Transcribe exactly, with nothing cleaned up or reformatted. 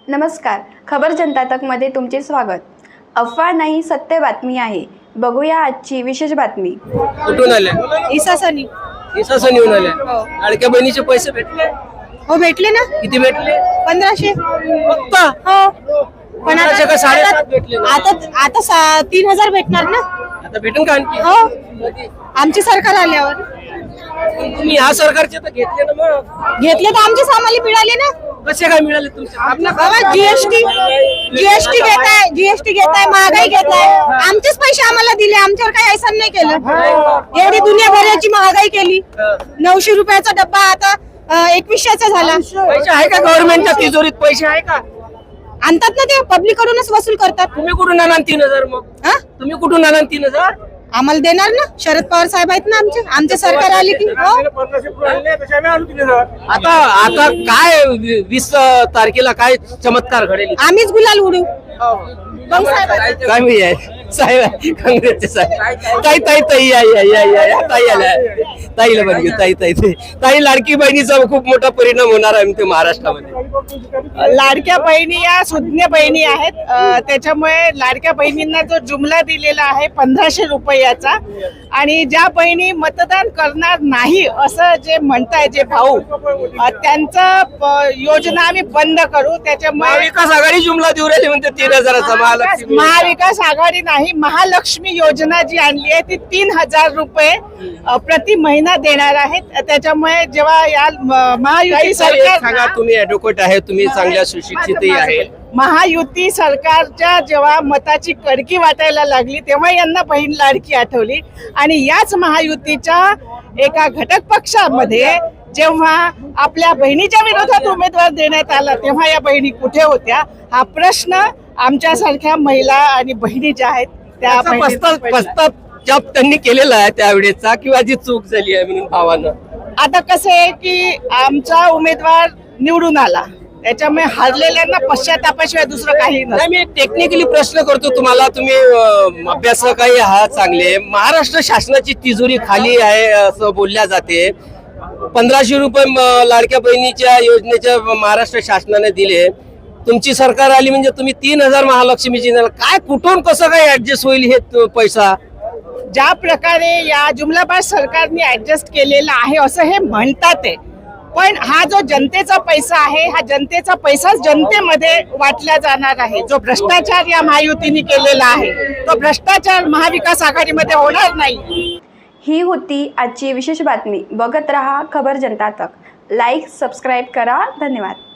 नमस्कार, खबर जनता तकमध्ये तुमचे स्वागत। अफवा नाही, सत्य बातमी आहे। बघूया आजची विशेष बातमी। कुठून आले? इसासनी इसासनीहून आले। लाडक्या बहिणीचे पैसे भेटले? हो भेटले ना। किती भेटले? पंधराशे फक्त? हो पण पंधराशे का साडेसात भेटले ना? आता आता सा- तीन हजार भेटणार ना। आता भेटून का आणखी? हो आमचे सरकार आल्यावर तुम्ही ह्या सरकारचे तर घेतले ना, मग घेतले तर आमचे सामाली मिळाले ना। कसे काय मिळाले तुमचे? आपल्या बाबा जीएसटी जीएसटी घेताय जीएसटी घेताय महागाई घेताय, आमचेच पैसे आम्हाला दिले, आमच्यावर काही ऐसा नाही केलं। एवढी दुनियाभराची महागाई केली, नऊशे रुपयाचा डब्बा आता अं, एकवीसशेचा झाला। पैसे आहे का गव्हर्नमेंटच्या तिजोरीत? पैसे आहे का? आणतात ना ते, पब्लिक कडूनच वसूल करतात। तुम्ही कुठून आणा तीन हजार? मग हा? तुम्ही कुठून आणा तीन हजार? आम्हाला देणार ना, शरद पवार साहेब आहेत ना आमचे आमचे सरकार आले की हो। आता आता काय वी- वीस तारखेला काय चमत्कार घडेल? आम्हीच गुलाल उडू। मग साहेब काय मी आहे साहेब, काँग्रेसचे साहेब। ताई ताई ताई या या या या या, ताई आल्या, ताईला बघू, ताई ताई ताई ताई लाडकी बहिणीचा खूप मोठा परिणाम होणार आहे ते महाराष्ट्रामध्ये। लाडक्या बहिणी या सुज्ञ बहिणी आहेत, अ, त्याच्यामुळे लाडक्या बहिणींना जो जुमला दिलेला आहे पंधराशे रुपयाचा, आणि ज्या बहिणी मतदान करणार नाही असं जे म्हणताय जे भाऊ, अ, त्यांचं प- योजना आम्ही बंद करू। त्याच्यामुळे महाविकास आघाडी जुमला देऊ राहिली म्हणते तीन हजाराचा महालक्ष्मी। महाविकास आघाडी नाही, महालक्ष्मी योजना जी आणली आहे ती तीन हजार रुपये अ, प्रति महिना देणार आहेत। त्याच्यामुळे जेव्हा या म- महायुती सांगा, सरकार तुम्ही ऍडव्होकेट आहे, तुम्ही चांगल्या सुशिक्षितही आहे। महायुती सरकारच्या जेव्हा मताची कडकी वाटायला लागली तेव्हा यांना बहीण लाडकी आठवली, आणि याच महायुतीच्या एका घटक पक्षामध्ये जेव्हा आपल्या बहिणीच्या विरोधात उमेदवार देण्यात आला तेव्हा या बहिणी कुठे होत्या? हा प्रश्न आमच्यासारख्या महिला आणि बहिणी ज्या आहेत त्या त्याचा बहिणींना पस्ताव पडला. पस्ताव जप त्यांनी केलेला आहे त्यावेळेचा, किंवा जी चूक झाली आहे म्हणून भावानं। आता कसं आहे की आमचा उमेदवार निवडून आला, त्याच्यामुळे हारलेल्यांना पश्चातापाशिवाय दुसरं काही नसतं। नाही, मी टेक्निकली प्रश्न करतो तुम्हाला, तुम्ही अं, अभ्यासकही आहात चांगले। महाराष्ट्र शासनाची तिजोरी खाली आहे असं बोलल्या जाते। पंधराशे रुपये म- लाडक्या बहिणीच्या योजनेच्या महाराष्ट्र शासनाने दिले, तुमची सरकार आली म्हणजे तुम्ही तीन हजार महालक्ष्मीची देणार। काय कुठून कसं काय ऍडजस्ट होईल हे तो पैसा? ज्या प्रकारे या जुमलाबाज सरकारने ऍडजस्ट केलेला आहे असं हे म्हणतात आहे, पण हा जो जनतेचा पैसा आहे हा जनतेचा पैसा जनतेमध्ये वाटला जाणार आहे। जो भ्रष्टाचार या महायुतीने केलेला आहे तो भ्रष्टाचार महाविकास आघाडीमध्ये होणार नाही। ही होती आजची विशेष बातमी। बघत रहा खबर जनता तक। लाईक, सबस्क्राईब करा। धन्यवाद।